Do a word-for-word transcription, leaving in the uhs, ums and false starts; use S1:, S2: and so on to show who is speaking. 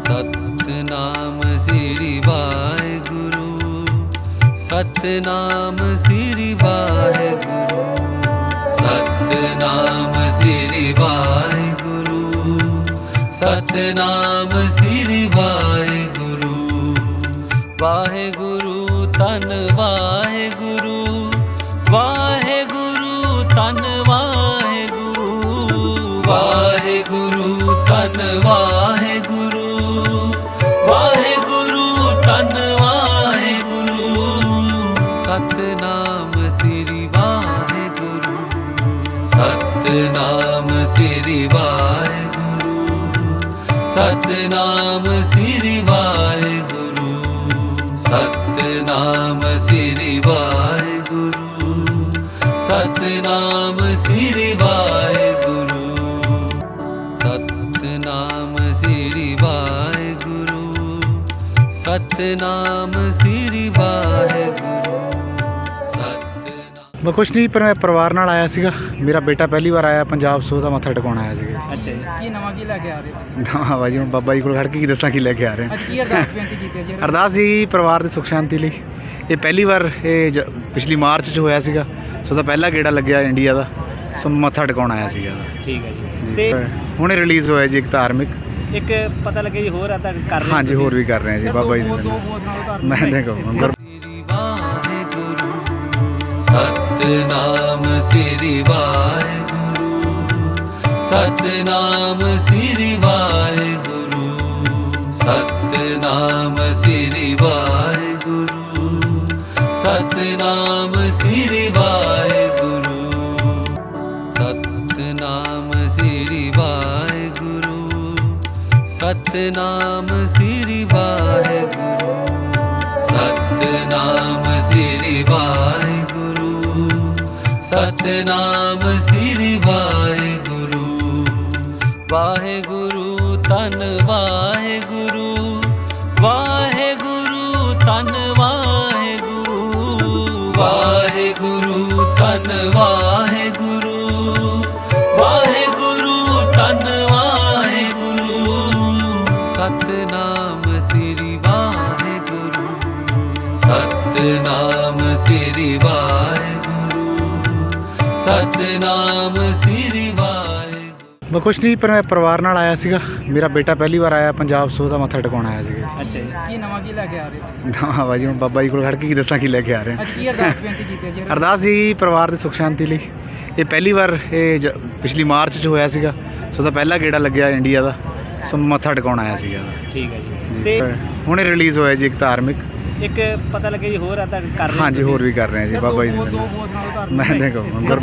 S1: सतनाम श्री वाहेगुरु, सतनाम श्री वाहेगुरु, सतनाम श्री वाहेगुरु, सतनाम श्री वाहेगुरु। वाहेगुरु तन वाहेगुरु, वाहेगुरु तन वाहेगुरु, वाहेगुरु तन वाहेगुरु, वाहेगुरु तन वाहेगुरु। सतनाम श्री वाहेगुरु, सतनाम श्री वाहेगुरु, सतनाम श्री वाहेगुरु, सतनाम श्री वाहेगुरु, सतनाम श्री वाहेगुरु, सतनाम श्री वाहेगुरु, सतनाम श्री वाहेगुरु।
S2: मैं कुछ नहीं, पर मैं परिवार नाल आया सीगा। मेरा बेटा पहली बार आया पंजाब, सो ਦਾ ਮੱਥਾ ਟਿਕਾਉਣ ਆਇਆ ਸੀਗਾ।
S3: ਅੱਛਾ ਜੀ, ਕੀ ਨਵਾਂ ਕੀ ਲੈ ਕੇ ਆ ਰਹੇ ਹੋ?
S2: ਨਵਾਂ ਬਾਜੀ ਹੁਣ ਬਾਬਾ ਜੀ ਕੋਲ ਖੜ ਕੇ ਕੀ ਦੱਸਾਂ ਕੀ ਲੈ ਕੇ ਆ ਰਹੇ
S3: ਅੱਜ ਕੀ ਅਰਦਾਸ ਬੇਨਤੀ ਕੀਤੀ ਹੈ ਜੀ?
S2: ਅਰਦਾਸ ਜੀ ਪਰਿਵਾਰ ਦੀ ਸੁੱਖ ਸ਼ਾਂਤੀ ਲਈ। ਇਹ ਪਹਿਲੀ ਵਾਰ ਇਹ ਜ- ਪਿਛਲੀ ਮਾਰਚ 'ਚ ਹੋਇਆ ਸੀਗਾ, ਸੋ ਦਾ ਪਹਿਲਾ ਗੇੜਾ ਲੱਗਿਆ ਇੰਡੀਆ ਦਾ, ਸੋ ਮੱਥਾ ਟਿਕਾਉਣ ਆਇਆ ਸੀਗਾ।
S3: ਠੀਕ ਹੈ ਜੀ।
S2: ਜੀ
S3: ਤੇ
S2: ਹੁਣੇ ਰਿਲੀਜ਼ ਹੋਇਆ ਜੀ ਇੱਕ ਧਾਰਮਿਕ।
S3: ਇੱਕ ਪਤਾ ਲੱਗਿਆ ਜੀ ਹੋਰ ਆ ਤਾਂ ਕਰ ਰਹੇ
S2: ਹਾਂਜੀ ਹੋਰ ਵੀ ਕਰ ਰਹੇ ਹਾਂ ਜੀ ਬਾਬਾ ਜੀ
S3: ਦੋ
S2: ਦੇ
S3: ਦੋ
S2: ਨਾਲ।
S3: ਬੋਸ ਨਾਲ ਧਾਰਮਿਕ
S2: ਮੈਂ ਦੇਖੋ
S1: सतनाम श्री वाहेगुरु, सतनाम श्री वाहेगुरु, सतनाम श्री वाहेगुरु, सतनाम श्री वाहेगुरु, सतनाम श्री वाहेगुरु, सतनाम श्री वाहेगुरु, सतनाम श्री वाहेगुरु, सतनाम श्री वाहेगुरु। वाहेगुरु तन वाहेगुरु, वाहेगुरु तन वाहेगुरु, वाहेगुरु तन वाहेगुरु, वाहेगुरु तन वाहेगुरु। सतनाम श्री वाहेगुरु, सतनाम श्री वाहेगुरु, सतनाम श्री वाहेगुरु।
S2: मैं कुछ नहीं, पर मैं परिवार नाल आया सीगा। मेरा बेटा पहली बार आया पंजाब, ਸੋ ਦਾ ਮੱਥਾ ਟਿਕਾਉਣ ਆਇਆ ਸੀਗਾ।
S3: ਅੱਛਾ ਜੀ, ਕੀ ਨਵਾਂ ਕੀ ਲੈ ਕੇ ਆ ਰਹੇ ਹੋ?
S2: ਨਵਾਂ ਬਾਜੀ ਹੁਣ ਬਾਬਾ ਜੀ ਕੋਲ ਖੜ ਕੇ ਕੀ ਦੱਸਾਂ ਕੀ ਲੈ ਕੇ ਆ ਰਹੇ
S3: ਅੱਜ ਕੀ ਅਰਦਾਸ ਬੇਨਤੀ ਕੀਤੀ ਹੈ ਜੀ?
S2: ਅਰਦਾਸ ਜੀ ਪਰਿਵਾਰ ਦੀ ਸੁੱਖ ਸ਼ਾਂਤੀ ਲਈ। ਇਹ ਪਹਿਲੀ ਵਾਰ ਇਹ ਜ- ਪਿਛਲੀ ਮਾਰਚ 'ਚ ਹੋਇਆ ਸੀਗਾ, ਸੋ ਦਾ ਪਹਿਲਾ ਗੇੜਾ ਲੱਗਿਆ ਇੰਡੀਆ ਦਾ, ਸੋ ਮੱਥਾ ਟਿਕਾਉਣ ਆਇਆ ਸੀਗਾ।
S3: ਠੀਕ ਹੈ ਜੀ।
S2: ਜੀ
S3: ਤੇ
S2: ਹੁਣੇ ਰਿਲੀਜ਼ ਹੋਇਆ ਜੀ ਇੱਕ ਧਾਰਮਿਕ।
S3: ਇੱਕ ਪਤਾ ਲੱਗਿਆ ਜੀ ਹੋਰ ਆ ਤਾਂ ਕਰ ਰਹੇ
S2: ਹਾਂਜੀ ਹੋਰ ਵੀ ਕਰ ਰਹੇ ਹਾਂ ਜੀ ਬਾਬਾ ਜੀ ਦੇ
S3: ਦੋ
S2: ਨਾਲ।
S3: ਬੋਸ ਨਾਲ ਧਾਰਮਿਕ
S2: ਮੈਂ ਦੇਖੋ